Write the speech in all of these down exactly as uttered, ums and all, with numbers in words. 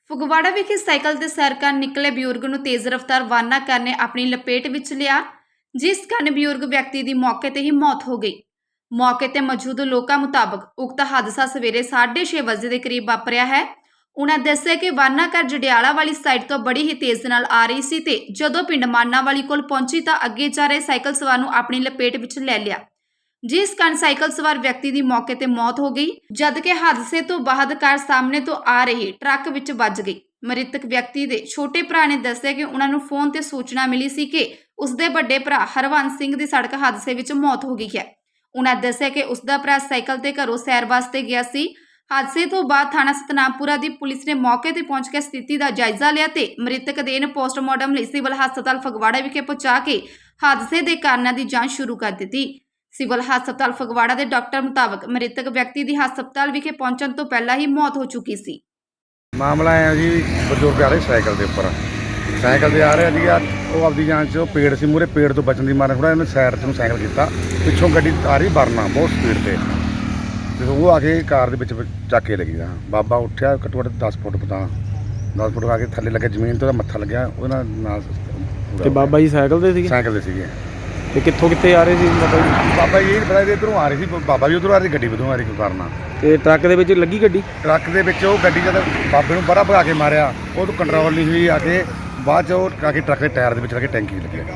ਫਗਵਾੜਾ ਵਿਖੇ ਸਾਈਕਲ ਤੇ ਸੈਰ ਕਰਨ ਨਿਕਲੇ ਬਜ਼ੁਰਗ ਨੂੰ ਤੇਜ਼ ਰਫ਼ਤਾਰ ਵਾਹਨ ਕਾਰ ਨੇ ਆਪਣੀ ਲਪੇਟ ਵਿੱਚ ਲਿਆ, ਜਿਸ ਕਾਰਨ ਬਜ਼ੁਰਗ ਵਿਅਕਤੀ ਦੀ ਮੌਕੇ ਤੇ ਹੀ ਮੌਤ ਹੋ ਗਈ। ਮੌਕੇ ਤੇ ਮੌਜੂਦ ਲੋਕਾਂ ਮੁਤਾਬਕ ਉਕਤ ਹਾਦਸਾ ਸਵੇਰੇ ਸਾਢੇ ਛੇ ਵਜੇ ਦੇ ਕਰੀਬ ਵਾਪਰਿਆ ਹੈ। ਉਨ੍ਹਾਂ ਦੱਸਿਆ ਕਿ ਵਾਹਨ ਕਾਰ ਜੜਿਆਲਾ ਵਾਲੀ ਸਾਈਡ ਤੋਂ ਬੜੀ ਹੀ ਤੇਜ਼ ਨਾਲ ਆ ਰਹੀ ਸੀ ਤੇ ਜਦੋਂ ਪਿੰਡ ਮਾਨਾਵਾਲੀ ਕੋਲ ਪਹੁੰਚੀ ਤਾਂ ਅੱਗੇ ਜਾ ਰਹੇ ਸਾਈਕਲ ਸਵਾਰ ਨੂੰ ਆਪਣੀ ਲਪੇਟ ਵਿੱਚ ਲੈ ਲਿਆ, ਜਿਸ ਕਾਰਨ ਸਾਈਕਲ ਸਵਾਰ ਵਿਅਕਤੀ ਦੀ ਮੌਕੇ ਤੇ ਮੌਤ ਹੋ ਗਈ, ਜਦਕਿ ਹਾਦਸੇ ਤੋਂ ਬਾਅਦ ਕਾਰ ਸਾਹਮਣੇ ਤੋਂ ਆ ਰਹੀ ਟਰੱਕ ਵਿੱਚ ਵੱਜ ਗਈ। ਮ੍ਰਿਤਕ ਵਿਅਕਤੀ ਦੇ ਛੋਟੇ ਭਰਾ ਨੇ ਦੱਸਿਆ ਕਿ ਉਹਨਾਂ ਨੂੰ ਫੋਨ ਤੇ ਸੂਚਨਾ ਮਿਲੀ ਸੀ ਕਿ ਉਸਦੇ ਵੱਡੇ ਭਰਾ ਹਰਵੰਸ ਸਿੰਘ ਦੀ ਸੜਕ ਹਾਦਸੇ ਵਿੱਚ ਮੌਤ ਹੋ ਗਈ ਹੈ। ਉਹਨਾਂ ਦੱਸਿਆ ਕਿ ਉਸਦਾ ਭਰਾ ਸਾਈਕਲ ਤੇ ਘਰੋਂ ਸੈਰ ਵਾਸਤੇ ਗਿਆ ਸੀ। ਹਾਦਸੇ ਤੋਂ ਬਾਅਦ ਥਾਣਾ ਸਤਨਾਮਪੁਰਾ ਦੀ ਪੁਲਿਸ ਨੇ ਮੌਕੇ ਤੇ ਪਹੁੰਚ ਕੇ ਸਥਿਤੀ ਦਾ ਜਾਇਜ਼ਾ ਲਿਆ ਤੇ ਮ੍ਰਿਤਕ ਦੇਹ ਨੂੰ ਪੋਸਟਮਾਰਟਮ ਲਈ ਸਿਵਲ ਹਸਪਤਾਲ ਫਗਵਾੜਾ ਵਿਖੇ ਪਹੁੰਚਾ ਕੇ ਹਾਦਸੇ ਦੇ ਕਾਰਨਾਂ ਦੀ ਜਾਂਚ ਸ਼ੁਰੂ ਕਰ ਦਿੱਤੀ। ਸਿਵਲ ਹਸਪਤਾਲ ਫਗਵਾੜਾ ਦੇ ਡਾਕਟਰ ਮੁਤਾਬਕ ਮ੍ਰਿਤਕ ਵਿਅਕਤੀ ਦੀ ਹਸਪਤਾਲ ਵਿਖੇ ਪਹੁੰਚਣ ਤੋਂ ਪਹਿਲਾਂ ਹੀ ਮੌਤ ਹੋ ਚੁੱਕੀ ਸੀ। ਮਾਮਲਾ ਆਇਆ ਜੀ, ਬਜ਼ੁਰਗ ਆ ਰਹੇ ਸਾਈਕਲ ਦੇ ਉੱਪਰ ਸਾਈਕਲ ਤੇ ਆ ਰਿਹਾ ਸੀਗਾ। ਉਹ ਆਪਦੀ ਜਾਨ 'ਚ ਉਹ ਪੇੜ ਸੀ ਮੂਹਰੇ, ਪੇੜ ਤੋਂ ਬਚਣ ਦੀ ਮਾਰੇ ਥੋੜ੍ਹਾ ਇਹਨੇ ਸਾਈਡ 'ਚ ਨੂੰ ਸਾਈਕਲ ਕੀਤਾ। ਪਿੱਛੋਂ ਗੱਡੀ ਆ ਰਹੀ ਵਰਨਾ ਬਹੁਤ ਸਪੀਡ 'ਤੇ, ਤੇ ਉਹ ਆ ਕੇ ਕਾਰ ਦੇ ਵਿੱਚ ਚੱਕ ਕੇ ਲੱਗੀ। ਬਾਬਾ ਉੱਠਿਆ ਘੱਟੋ ਘੱਟ ਦਸ ਫੁੱਟ ਪਤਾ ਦਸ ਫੁੱਟ ਆ ਕੇ ਥੱਲੇ ਲੱਗਿਆ ਜ਼ਮੀਨ ਤੋਂ, ਉਹਦਾ ਮੱਥਾ ਲੱਗਿਆ ਉਹਦੇ ਨਾਲ। ਤੇ ਬਾਬਾ ਜੀ ਸਾਈਕਲ ਤੇ ਸੀਗੇ? ਸਾਈਕਲ ਤੇ ਸੀਗੇ। ਤੇ ਕਿੱਥੋਂ ਕਿੱਥੇ ਆ ਰਹੇ ਸੀ ਬਾਬਾ ਜੀ? ਬਾਬਾ ਜੀ ਪਤਾ ਵੀ ਇੱਧਰੋਂ ਆ ਰਹੀ ਸੀ, ਬਾਬਾ ਵੀ ਉੱਧਰੋਂ ਆ ਰਹੀ, ਗੱਡੀ ਉੱਧਰੋਂ ਆ ਰਹੀ ਵਰਨਾ। ਤੇ ਟਰੱਕ ਦੇ ਵਿੱਚ ਲੱਗੀ ਗੱਡੀ? ਟਰੱਕ ਦੇ ਵਿੱਚ ਉਹ ਗੱਡੀ ਜਦ ਬਾਬੇ ਨੂੰ ਬੜਾ ਭਗਾ ਕੇ ਮਾਰਿਆ, ਉਹ ਤੋਂ ਕੰਟਰੋਲ ਨਹੀਂ ਹੋਈ, ਆ ਕੇ ਬਾਅਦ 'ਚ ਉਹ ਆ ਕੇ ਟਰੱਕ ਦੇ ਟਾਇਰ ਦੇ ਵਿੱਚ ਲੱਗੇ, ਟੈਂਕੀ ਲੱਗਿਆ।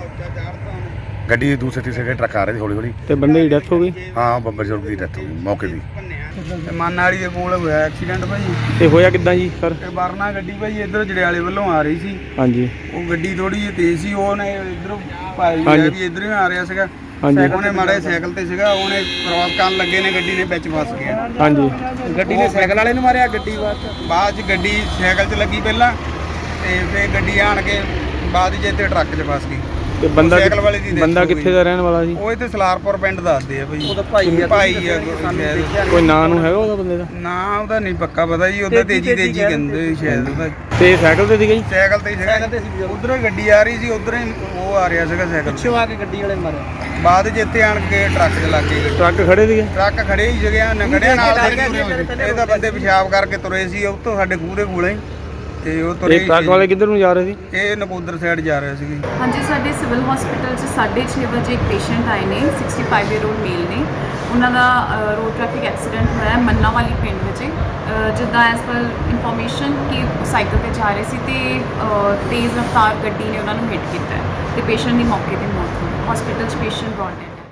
ਗੱਡੀ ਦੂਸਰੇ ਤੀਸਰੇ ਟਰੱਕ ਆ ਰਹੇ ਸੀ ਹੌਲੀ ਹੌਲੀ। ਤੇ ਬੰਦੇ ਦੀ ਡੈਥ ਹੋ ਗਈ? ਹਾਂ, ਬਜ਼ੁਰਗ ਦੀ ਡੈਥ ਹੋ ਗਈ ਮੌਕੇ ਦੀ। ਮਾਨਾਵਾਲੀ ਦੇ ਕੋਲ ਹੋਇਆ ਐਕਸੀਡੈਂਟ ਭਾਈ। ਤੇ ਹੋਇਆ ਕਿੱਦਾਂ ਜੀ ਸਰ? ਤੇ ਵਰਨਾ ਗੱਡੀ ਭਾਈ ਇੱਧਰ ਜੜਿਆਲੇ ਵੱਲੋਂ ਆ ਰਹੀ ਸੀ। ਹਾਂਜੀ। ਉਹ ਗੱਡੀ ਥੋੜੀ ਜਿਹੀ ਤੇਜ਼ ਸੀ, ਉਹਨੇ ਇੱਧਰੋਂ ਭਾਈ ਹਾਂਜੀ। ਵੀ ਇੱਧਰੋਂ ਹੀ ਆ ਰਿਹਾ ਸੀਗਾ। ਹਾਂਜੀ। ਉਹਨੇ ਮਾਰੇ ਸਾਈਕਲ ਤੇ ਸੀਗਾ, ਉਹਨੇ ਕ੍ਰੋਸ ਕਰਨ ਲੱਗੇ ਨੇ ਗੱਡੀ ਨੇ ਵਿੱਚ ਫਸ ਗਿਆ। ਹਾਂਜੀ। ਗੱਡੀ ਨੇ ਸਾਈਕਲ ਵਾਲੇ ਨੂੰ ਮਾਰਿਆ, ਗੱਡੀ ਬਾਅਦ ਬਾਅਦ 'ਚ ਗੱਡੀ ਸਾਈਕਲ 'ਚ ਲੱਗੀ ਪਹਿਲਾਂ, ਤੇ ਫਿਰ ਗੱਡੀ ਆਣ ਕੇ ਬਾਅਦ 'ਚ ਇੱਥੇ ਟਰੱਕ 'ਚ ਫਸ ਗਈ। ਤੇ ਬੰਦਾ ਸਾਈਕਲ ਵਾਲੇ ਦੀ ਬੰਦਾ ਕਿੱਥੇ ਦਾ ਰਹਿਣ ਵਾਲਾ ਸੀ? ਉਹ ਇੱਥੇ ਸਲਾਰਪੁਰ ਪਿੰਡ ਦੱਸਦੇ ਆ ਭਾਈ। ਉਹਦਾ ਭਾਈ ਆ ਭਾਈ ਆ ਸ਼ਾਇਦ। ਕੋਈ ਨਾਂ ਨੂੰ ਹੈਗਾ ਉਹਦਾ ਬੰਦੇ ਦਾ? ਨਾ ਉਹਦਾ ਨਹੀਂ ਪੱਕਾ ਪਤਾ ਜੀ, ਉਹਦਾ ਤੇਜੀ ਤੇਜੀ ਕਹਿੰਦੇ ਸ਼ਾਇਦ ਉਹਦਾ। ਤੇ ਸਾਈਕਲ ਤੇ ਸੀਗਾ ਜੀ? ਸਾਈਕਲ ਤੇ ਸੀਗਾ, ਉਧਰੋਂ ਹੀ ਗੱਡੀ ਆ ਰਹੀ ਸੀ, ਉਧਰੋਂ ਹੀ ਉਹ ਆ ਰਿਹਾ ਸੀਗਾ ਸਾਈਕਲ ਪਿੱਛੋਂ ਆ ਕੇ ਗੱਡੀ ਵਾਲੇ ਮਾਰਿਆ। ਬਾਅਦ ਜਿੱਥੇ ਆਣ ਕੇ ਟਰੱਕ 'ਚ ਲੱਗ ਗਏ। ਟਰੱਕ ਖੜੇ ਸੀਗੇ? ਟਰੱਕ ਖੜੇ ਹੀ ਸੀਗੇ, ਨੰਗੜਿਆਂ ਨਾਲ ਇਹ ਤਾਂ ਬੰਦੇ ਪਿਸ਼ਾਬ ਕਰਕੇ ਤੁਰੇ ਸੀ ਉਹ ਤੋਂ ਸਾਡੇ ਖੂਹ ਦੇ ਕੋਲੇ, ਤੇ ਉਹ ਤੁਰੇ। ਇਹ ਟਰੱਕ ਵਾਲੇ ਕਿੱਧਰ ਨੂੰ ਜਾ ਰਹੇ ਸੀ? ਇਹ ਨਕੋਦਰ ਸਾਈਡ ਜਾ ਰਹੇ ਸੀਗੇ। ਹਾਂਜੀ, ਸਾਡੇ ਸਿਵਲ ਹਸਪੀਟਲ 'ਚ ਸਾਢੇ ਛੇ ਵਜੇ ਇੱਕ ਪੇਸ਼ੈਂਟ ਆਏ ਨੇ, sixty five year old male ਨੇ। ਉਹਨਾਂ ਦਾ ਰੋਡ ਟ੍ਰੈਫਿਕ ਐਕਸੀਡੈਂਟ ਹੋਇਆ ਮੰਨਾਵਾਲੀ ਪਿੰਡ ਵਿੱਚ। ਜਿੱਦਾਂ ਐਸ ਪਰ ਇਨਫੋਰਮੇਸ਼ਨ ਕਿ ਸਾਈਕਲ ਤੇ ਜਾ ਰਹੇ ਸੀ ਤੇ ਤੇਜ਼ ਰਫ਼ਤਾਰ ਗੱਡੀ ਨੇ ਉਹਨਾਂ ਨੂੰ ਹਿੱਟ ਕੀਤਾ ਤੇ ਪੇਸ਼ੈਂਟ ਦੀ ਮੌਕੇ ਤੇ ਮੌਤ ਹੋ ਗਈ। ਹਸਪੀਟਲ 'ਚ ਪੇਸ਼ੈਂਟ ਬ੍ਰੌਟ ਡੈਡ ਹੈ।